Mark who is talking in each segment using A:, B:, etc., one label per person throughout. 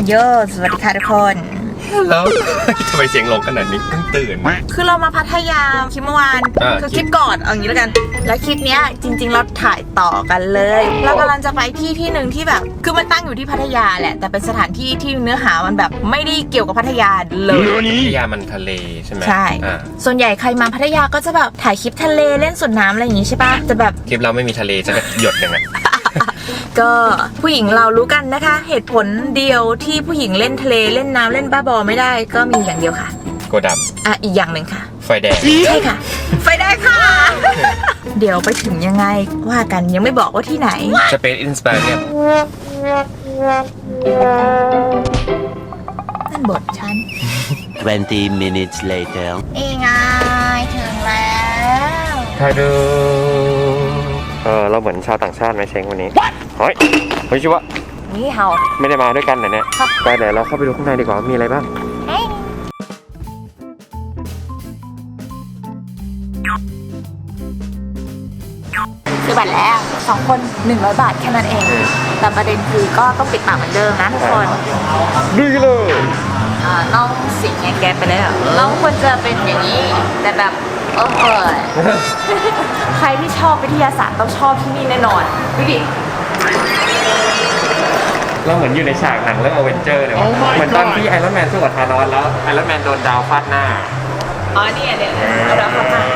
A: โยสวัสดีค่ะทุกคน
B: แล้วทำไมเสียงลงขนาดนี้เพิ่งตื่น
A: คือเรามาพัทยาคลิปเมื่อวานคือคลิปก่อนเอาอย่างนี้แล้วกันแล้วคลิปเนี้ยจริงๆเราถ่ายต่อกันเลยเรากำลังจะไปที่หนึ่งที่แบบคือมันตั้งอยู่ที่พัทยาแหละแต่เป็นสถานที่ที่เนื้อหามันแบบไม่ได้เกี่ยวกับพัทยาเลย
B: พัทยามันทะเลใช่ไหม
A: ใช่ส่วนใหญ่ใครมาพัทยาก็จะแบบถ่ายคลิปทะเลเล่นสวนน้ำอะไรอย่างงี้ใช่ปะแต่แบบ
B: คลิปเราไม่มีทะเลจะหยดหนึ่ง
A: ก็ผู้หญิงเรารู้กันนะคะเหตุผลเดียวที่ผู้หญิงเล่นทะเลเล่นน้ำเล่นบ้าบอไม่ได้ก็มีอย่างเดียวค่ะ
B: โกดับ
A: อีกอย่างหนึ่งค่ะ
B: ไฟแดง
A: ใช่ค่ะไฟแดงค่ะ เดี๋ยวไปถึงยังไงว่ากันยังไม่บอกว่าที่ไหน
B: จะเป็นอินสปายเนี่ย
A: นั่นบทฉัน
C: 20 minutes later
A: ไงถึงแล้ว
B: ไทยดูเราเหมือนชาวต่างชาติไหมเช้งวันนี้เฮ้ยชิวะ
A: นี่เฮา
B: ไม่ได้มาด้วยกันเนี่ยไปเดี๋ยวเราเข้าไปดูข้างในดีกว่ามีอะไรบ้าง
A: ซื้อบัตรแล้ว2 คน100 บาทแค่นั้นเองแต่ประเด็นคือก็ต้องปิดปากเหมือนเดิมนะทุกคน
B: ดูกันเลย
A: น้องสิงห์แกไปแล้วน้องควรจะเป็นอย่างนี้แต่แบบใครที่ชอบวิทยาศาสตร์ต้องชอบที่นี่แน่นอนดูดิ
B: เราเหมือนอยู่ในฉากหนังเรื่องอเวนเจอร์เลยเหมือนตอนที่ไอรอนแมนสู้กับธานอสแล้วไอรอนแมนโดนดาวฟาดหน้า
A: นี่เนี่ยเอาดาวฟาดหน้า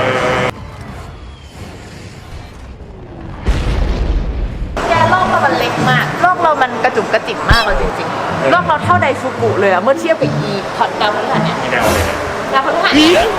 A: โลกเรามันเล็กมากโลกเรามันกระจุกกระจิ๋มมากเลยจริงๆโลกเราเท่าไดฟูกุเลยอะเมื่อเทียบกับพอดดาวพฤหัสเนี่ย
B: ดาวเลยนะ
A: ดาวพฤหัส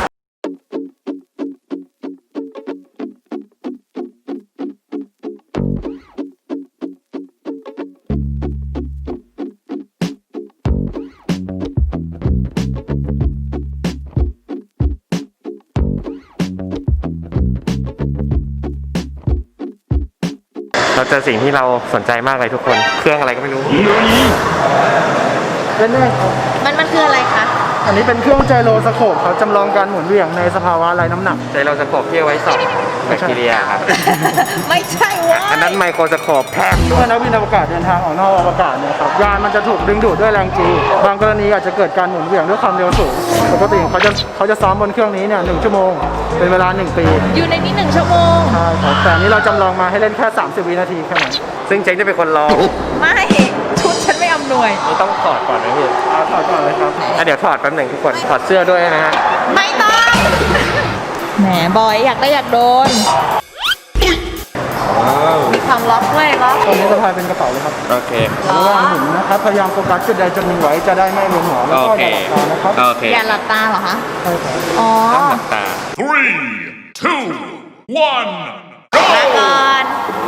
B: เราเจอสิ่งที่เราสนใจมากเลยทุกคนเครื่องอะไรก็ไม่รู้
D: เป็นได้ครับ
A: มันคืออะไรคะ
D: อันนี้เป็นเครื่องไจโรสโคปเขาจำลองการหมุนเหวี่ยงในสภาวะไร้น้ำหนัก
B: ไจโรสโคปที่เอาไว้ส่องแบคทีเรียครับ
A: ไม่ใช่วะ
B: อันนั้นไมโครสโคปแพง
D: เมื่อนักบินอวกาศเดินทางออกนอกอวกาศเนี่ยครับยานมันจะถูกดึงดูดด้วยแรงจีบางกรณีอาจจะเกิดการหมุนเหวี่ยงด้วยความเร็วสูงปกติเขาจะซ้อมบนเครื่องนี้เนี่ย1 ชั่วโมงเป็นเวลา1 ปี
A: อยู่ในนี้1 ชั่วโมง
D: ใช่ครับแต่นี้เราจำลองมาให้เล่นแค่30 วินาทีแค่นั้น
B: ซึ่งเจ๊งจะเป็นคนลอง
A: ไม่ชุดฉันไม่อำนวย
B: นี่ต้องถอดก่อนนะพี่
D: ถอดก่อนเลยครับ
B: เดี๋ยวถอดแป๊บหนึ่งทุกคนถอดเสื้อด้วยนะฮะ
A: ไม่ต้องแหมบอยอยากได้อยากโดนมีความล็อกด้วยล็อก
D: ตรงนี้สะพายเป็นกระเป๋าเลยครับ
B: โอเค
D: ระหว่างหมุนนะครับพยายามโฟกัสจุดใดจุดหนึ่งไว้จะได้ไม่เวียนหัวแล้วก็อย่าหลับตานะครับ
A: อย่าหลับตาเหรอคะ
D: ใช่ครับ
B: ต้องหลับตา
E: 3 2 1
A: มาก่อน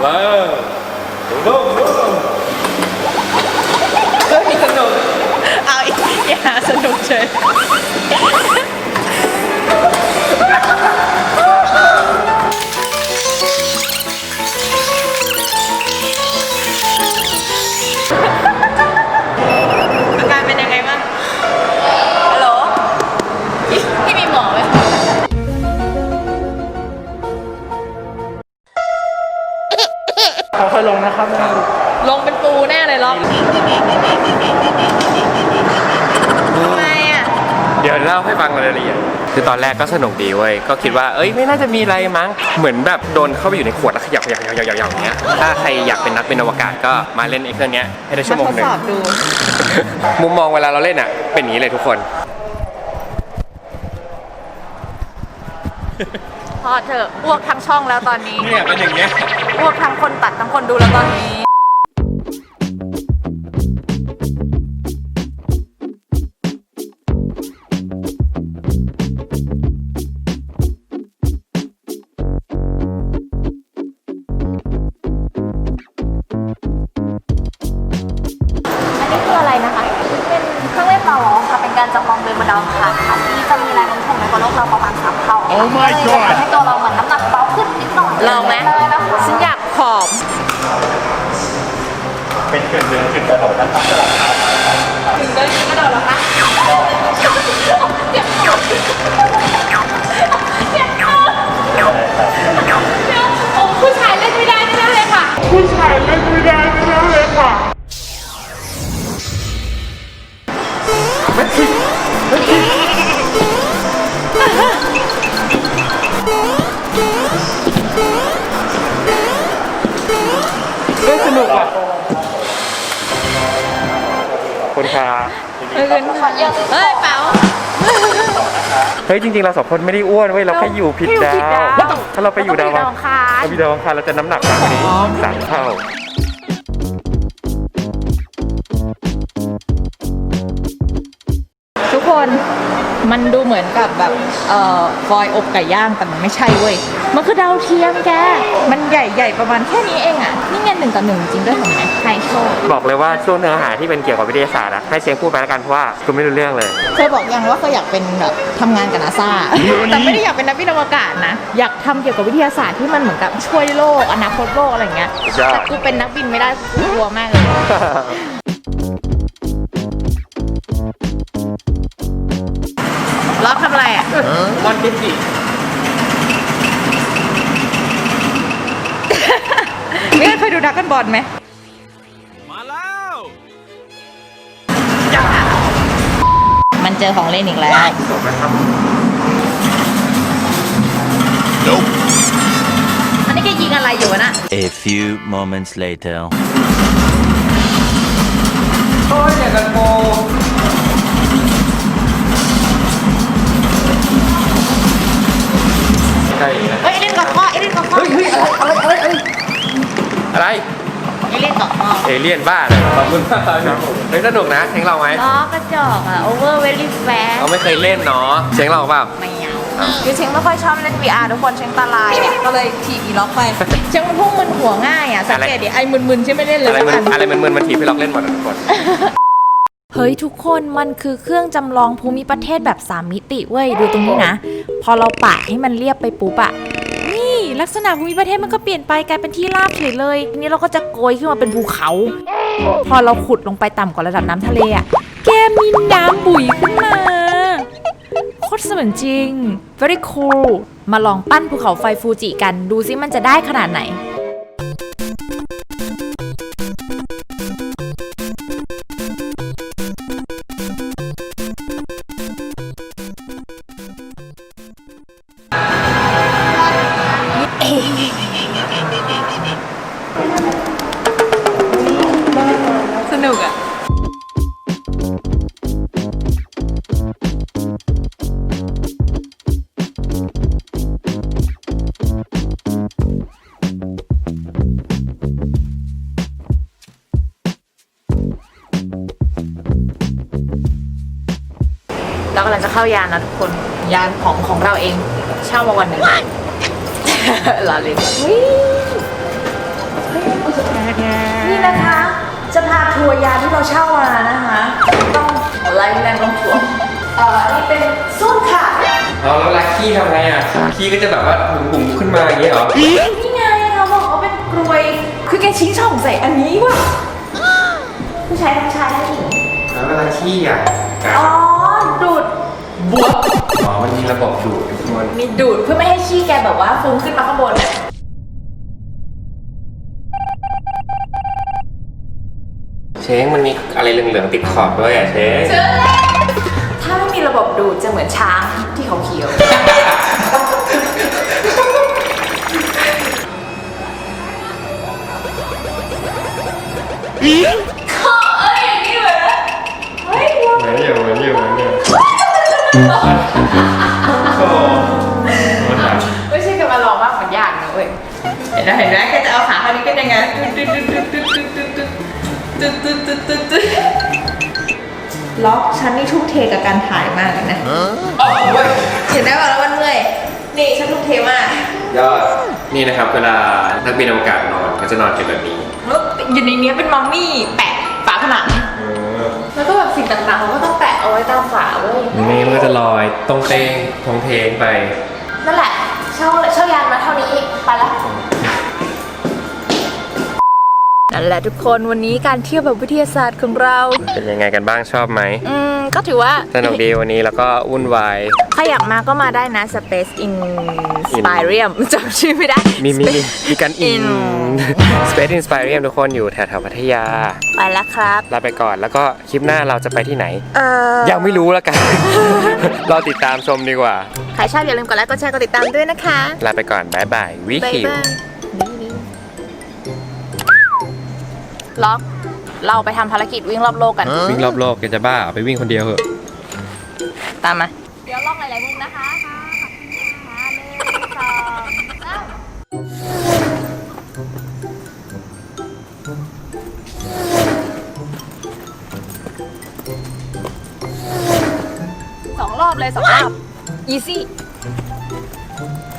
B: เฮ้ยสนุก
A: เอาอย่าสนุกเฉยอาการเป็นยังไงบ้างฮัลโหลพี่มีหมอไหม
D: ค่อยๆลงนะครับ
A: ลงเป็นปูแน่เลยล็อกทำไมอ่ะ
B: เดี๋ยวเล่าให้ฟังรายละเอียดคือตอนแรกก็สนุกดีเว้ยก็คิดว่าไม่น่าจะมีอะไรมั้งเหมือนแบบโดนเข้าไปอยู่ในขวดแล้วขยับอย่างเงี้ยถ้าใครอยากเป็นนักบินอวกาศก็มาเล่นไอ้เครื่องนี้ให้ได้ชั่วโมงนึงมุมมองเวลาเราเล่นอ่ะเป็นอย่างนี้เลยทุกคน
A: พอเถอะอ้วกทั้งช่องแล้วตอนนี้
B: เนี่ยเป็นอย่างเงี้ย
A: อ้วกทั้งคนตัดทั้งคนดูแล้วตอนนี้การจำลองเดินบนดาวอังคารค่ะที่จะมีแรงโน้มถ่วงในโลกเราประมาณ3 เท่าให้ตัวเราเหมือนน้ำหนักเบาขึ้นนิดหน่อยลองไหมฉันอยากผอม
B: เป็นเดือนกระโดดนะครับ
A: ถึงเดินกระโดดแล้วคะผู้ชายเล่นไม่ได้เลยค่ะผู้ชายเล่นไม่ได้เลยค่ะ
D: นุกอ่ะ
B: คุณค่ะ
A: เฮ้ยเป๋า
B: เฮ้ยจริงๆเราสองคนไม่ได้อ้วนเว้ยเราแค่อยู่ผิดดาว ถ้าเราไปอยู่ดาว
A: เราคาร
B: เราไปดาวอังคารเราจะน้ำหนักมากกว่านี้3 เท่า
A: ทุกคนมันดูเหมือนกับแบบฟอยอบไก่ย่างแต่มันไม่ใช่เว้ยมันคือดาวเทียมแกมันใหญ่ๆประมาณแค่นี้เองอ่ะนี่ไง1:1จริงด้วยเห็นไหมไฮโซ
B: บอกเลยว่าช่วงเนื้อหาที่เป็นเกี่ยวกับวิทยาศาสตร์อะให้เชียงพูดไปแล้วกันเพราะว่ากูไม่รู้เรื่องเลย
A: เคยบอกยังว่าเคยอยากเป็นแบบทำงานกับนาซาแต่ไม่ได้อยากเป็นนักบินอวกาศนะอยากทำเกี่ยวกับวิทยาศาสตร์ที่มันเหมือนกับช่วยโลกอนาคตโลกอะไรอย่างเงี้ย
B: สุดยอด
A: แต่กูเป็นนักบินไม่ได้กูกลัวมากเลยล็อกทำอะไรอ่ะ
B: มอนดิสซี่
A: ไม่เคยดูดักกันบอลไหมมาแล้ว มันเจอของเล่นอีกแล้ว อันนี้แกยิงอะไรอยู่นะ
C: A few moments later.
B: โอ้ยเนี่ยกันโกใช่นะ
A: เฮ้ยเล่นกับข้อเล่นกับข้อ
B: เฮ้ยอะไร
A: เล่นกับข้อ
B: เอเลี่ยนบ้าเลยขอบคุณมากครับเฮ้ยสนุกนะเสียงเราไหม
A: ล้อกระจอกอ่ะ over very fast
B: เราไม่เคยเล่นเนาะเสียงเราเปล่า
A: ไม่เอาคือเชงไม่ค่อยชอบเล่น VR ทุกคนเชงตาลายเนี่ยก็เลยถีบอีล็อกไปเชงมันพุ่งมึนหัวง่ายอ่ะสังเกตดิไอ้มึนๆใช่ไม่เล่นเลย
B: อะไรมันถีบให้เราเล่นหมดทุกคน
A: เฮ้ยทุกคนมันคือเครื่องจำลองภูมิประเทศแบบ3 มิติเว้ยดูตรงนี้นะพอเราปะให้มันเรียบไปปุ๊บอะนี่ลักษณะภูมิประเทศมันก็เปลี่ยนไปกลายเป็นที่ราบเฉยเลยทีนี้เราก็จะโกยขึ้นมาเป็นภูเขา พอเราขุดลงไปต่ำกว่าระดับน้ำทะเลอะแกมีน้ำบุ๋ยขึ้นมาโคตรเสมือนจริง very cool มาลองปั้นภูเขาไฟฟูจิกันดูซิมันจะได้ขนาดไหนสนุกอ่ะเรากำลังจะเข้ายานนะทุกคนยานของเราเองเช่ามาวันหนึ่ง ลาเลยนี่นะคะจะพาทัวร์ยานที่เราเช่ามานะคะต้องไล่แรงต้องทัวร์นี่เป็นส้วมค่ะ
B: เอาแล้วลักขี้ทำไงอ่ะขี้ก็จะแบบว่าบุ๋มขึ้นมาอย่างเงี้ยเหรอ
A: นี่ไงเขาบอกว่าเป็นกรวยคือแกชี้ช่องใส่อันนี้ว่ะผู้ชายทั้งชายทั้งหญิง
B: แล้วเวลาขี้อ่ะ
A: อ๋อดูดบวก
B: อ๋อมันมีระบบดูดทุกคน
A: มีดูดเพื่อไม่ให้ขี้แกแบบว่าฟุ้งขึ้นมาข้างบนอะ
B: เช้งมันมีอะไรเหลืองๆติดขอบด้วยอ่ะเช้ง
A: ถ้าไม่มีระบบดูดจะเหมือนช้างที่เขาเขียวไม่ใช่กันมาลองมากมันยากนะเว้ยเห็นไหมแกจะเอาขาข้างนี้ก็ยังไงล็อกฉันนี่ทุ่มเทกับการถ่ายมากเลยนะเห็นได้ป่ะแล้วมันเมื่อยนี่ฉันทุ่มเทมาก
B: ยอดนี่นะครับเวลานักบินอวกาศนอนเขาจะนอนกันแบบนี้
A: แล้วอยู่ในนี้เป็นมัมมี่แปะฝาผนังแล้วก็แบบสิ่งต่างๆเขาก็ต้องแปะเอาไว้ตามฝาเว้ย
B: นี่มันก็จะลอยตรงเตงทงเทงไป
A: นั่นแหละเช่ายานมาเท่านี้ไปละนั่นแหละทุกคนวันนี้การเที่ยวแบบวิทยาศาสตร์ของเรา
B: เป็นยังไงกันบ้างชอบไหม
A: ก็ถือว่า
B: สนุกดีวันนี้แล้วก็วุ่นวาย
A: ใครอยากมาก็มาได้นะ Space Inspirium จำชื่อไม่ได้
B: มีการอิน Space Inspirium ทุกคนอยู่แถวๆพัทยา
A: ไปแล้วครับ
B: ลาไปก่อนแล้วก็คลิปหน้าเราจะไปที่ไหน
A: ยั
B: ยังไม่รู้แล้วกัน รอติดตามชมดีกว่า
A: ใครชอบอย่าลืมกดไลค์กดแชร์กดติดตามด้วยนะคะ
B: ลาไปก่อนบ๊ายบายวิ
A: บ๊าย
B: คิว
A: บายล็อกเราไปทำภารกิจวิ่งรอบโลกกัน
B: วิ่งรอบโลกแกจะบ้าเอาไปวิ่งคนเดียวเหอะ
A: ตามมา เดี๋ยวลองหลายๆมุมนะคะ1 2 3 2 รอบเลย2 รอบ easy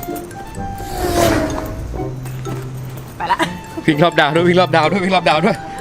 A: ไปละ
B: วิ่งรอบดาวด้วยวิ่งรอบดาวด้วยวิ่งรอบดาวด้วย